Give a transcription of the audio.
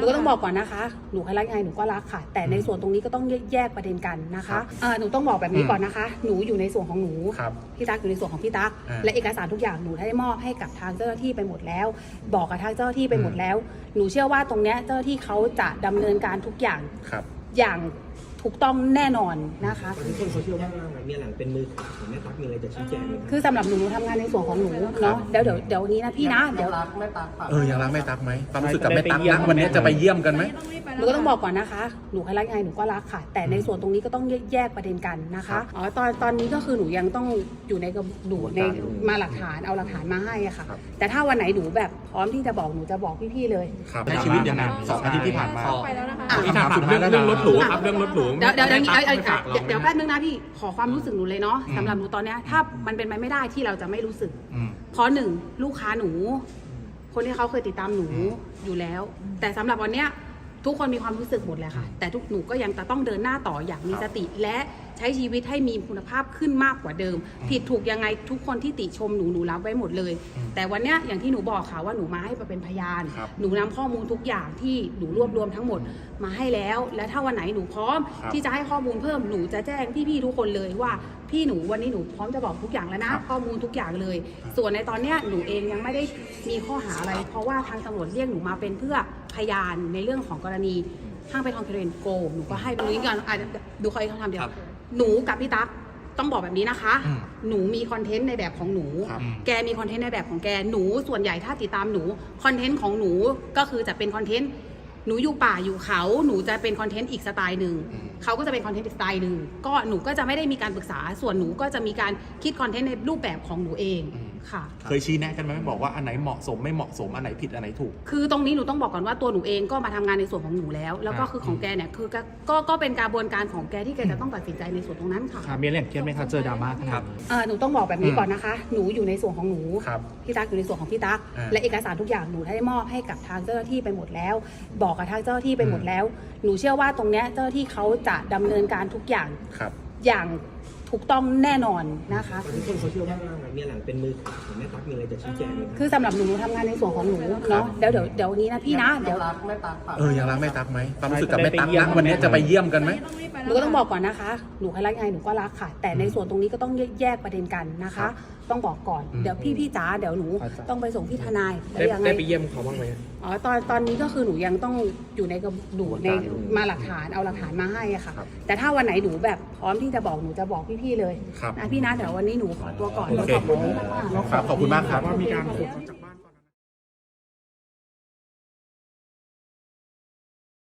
หนูก็ต้องบอกก่อนนะคะหนูใครรักยังไงหนูก็รักค่ะแต่ในส่วนตรงนี้ก็ต้องแยกประเด็นกันนะคะหนูต้องบอกแบบนี้ก่อนนะคะหนูอยู่ในส่วนของหนูพี่ตั๊กอยู่ในส่วนของพี่ตั๊กและเอกสารทุกอย่างหนูได้มอบให้กับทางเจ้าหน้าที่ไปหมดแล้วบอกกับทางเจ้าหน้าที่ไปหมดแล้วหนูเชื่อว่าตรงเนี้ยเจ้าหน้าที่เขาจะดำเนินการทุกอย่างอย่างถูกต้องแน่นอนนะคะทุกคนเขาเชื่อว่าเมียหลังเป็นมือขวาของแม่ตั๊กมีอะไรจะชี้แจงไหมคือสำหรับหนูทำงานในส่วนของหนูเนาะเดี๋ยวนี้นะพี่นะเดี๋ยวรักแม่ตั๊กยังรักแม่ตั๊กไหมความรู้สึกกับแม่ตั๊กนะวันนี้จะไปเยี่ยมกันไหมหนูก็ต้องบอกก่อนนะคะหนูใครรักยังไงหนูก็รักค่ะแต่ในส่วนตรงนี้ก็ต้องแยกประเด็นกันนะคะตอนนี้ก็คือหนูยังต้องอยู่ในกับหนูในมาหลักฐานเอาหลักฐานมาให้อะค่ะแต่ถ้าวันไหนหนูแบบพร้อมที่จะบอกหนูจะบอกพี่ๆเลยในชีวิตยังไง2 อาทิตย์ที่ผ่านมาที่ถามเรื่องรถหรูครับเรื่องรถหรูเดี๋ยวแป๊บนึงนะพี่ขอความรู้สึกหนูเลยเนาะสำหรับหนูตอนเนี้ยถ้ามันเป็นไปไม่ได้ที่เราจะไม่รู้สึกเพราะ1ลูกค้าหนูคนที่เขาเคยติดตามหนูอยู่แล้วแต่สำหรับวันเนี้ยทุกคนมีความรู้สึกหมดเลยค่ะแต่ทุกหนูก็ยังจะต้องเดินหน้าต่ออย่างมีสติและใช้ชีวิตให้มีคุณภาพขึ้นมากกว่าเดิมผิดถูกยังไงทุกคนที่ติชมหนูรับไว้หมดเลยแต่วันเนี้ยอย่างที่หนูบอกค่ะว่าหนูมาให้เป็นพยานหนูนำข้อมูลทุกอย่างที่หนูรวบรวมทั้งหมดมาให้แล้วและถ้าวันไหนหนูพร้อมที่จะให้ข้อมูลเพิ่มหนูจะแจ้งพี่ๆทุกคนเลยว่าพี่หนูวันนี้หนูพร้อมจะบอกทุกอย่างแล้วนะข้อมูลทุกอย่างเลยส่วนในตอนเนี้ยหนูเองยังไม่ได้มีข้อหาอะไรเพราะว่าทางตำรวจเรียกหนูมาเป็นเพื่อพยานในเรื่องของกรณีห้างไปทองเคเรนโกหนูก็ให้ดูนี้ก่อนดูเขาทำเดียวหนูกับพี่ตั๊กต้องบอกแบบนี้นะคะหนูมีคอนเทนต์ในแบบของหนูแกมีคอนเทนต์ในแบบของแกหนูส่วนใหญ่ถ้าติดตามหนูคอนเทนต์ของหนูก็คือจะเป็นคอนเทนต์หนูอยู่ป่าอยู่เขาหนูจะเป็นคอนเทนต์อีกสไตล์หนึ่งเขาก็จะเป็นคอนเทนต์อีกสไตล์หนึ่งก็หนูก็จะไม่ได้มีการปรึกษาส่วนหนูก็จะมีการคิดคอนเทนต์ในรูปแบบของหนูเองค่ะเคยชี้แนะกันไหมบอกว่าอันไหนเหมาะสมไม่เหมาะสมอันไหนผิดอันไหนถูกคือตรงนี้หนูต้องบอกก่อนว่าตัวหนูเองก็มาทำงานในส่วนของหนูแล้วก็คือของแกเนี่ยคือก็เป็นกระบวนการของแกที่แกจะต้องตัดสินใจในส่วนตรงนั้นค่ะมีเรื่องเครียดไหมคะเจอดราม่าครับหนูต้องบอกแบบนี้ก่อนนะคะหนูอยู่ในส่วนของหนูพี่ตั๊กอยู่ในส่วนของพี่ตั๊กและเอกสารทุกอย่างหนูได้มอบให้กับทางเจ้าหน้าที่ไปหมดแล้วบอกกับทางเจ้าหน้าที่ไปหมดแล้วหนูเชื่อว่าตรงเนี้ยเจ้าหน้าที่เขาจะดำเนินการทุกอย่างอย่างถูกต้องแน่นอนนะคะทุกคนเขาเชื่อว่าเมียหลังเป็นมือขวาของแม่ตั๊กมีอะไรจะชี้แจงไหมคือสำหรับหนูทำงานในส่วนของหนูเนาะเดี๋ยวนี้นะพี่นะเดี๋ยวรักแม่ตั๊กยังรักแม่ตั๊กไหมความรู้สึกกับแม่ตั๊กนะวันนี้จะไปเยี่ยมกันไหมหนูก็ต้องบอกก่อนนะคะหนูใครรักยังไงหนูก็รักค่ะแต่ในส่วนตรงนี้ก็ต้องแยกประเด็นกันนะคะต้องบอกก่อนเดี๋ยวพี่จ๋าเดี๋ยวหนูต้องไปส่งพี่ทนายได้ไปเยี่ยมเขาบ้างไหมตอนนี้ก็คือหนูยังต้องอยู่ในกับหนูในมาหลักฐานเอาหลักฐานมาให้อะค่ะแต่ถ้าวันไหนหนูแบบพร้อมที่จะบอกหนูจะบอกพี่ๆเลยนะพี่นะเดี๋ยววันนี้หนูขอตัวก่อนขอบคุณมากครับว่ามีการ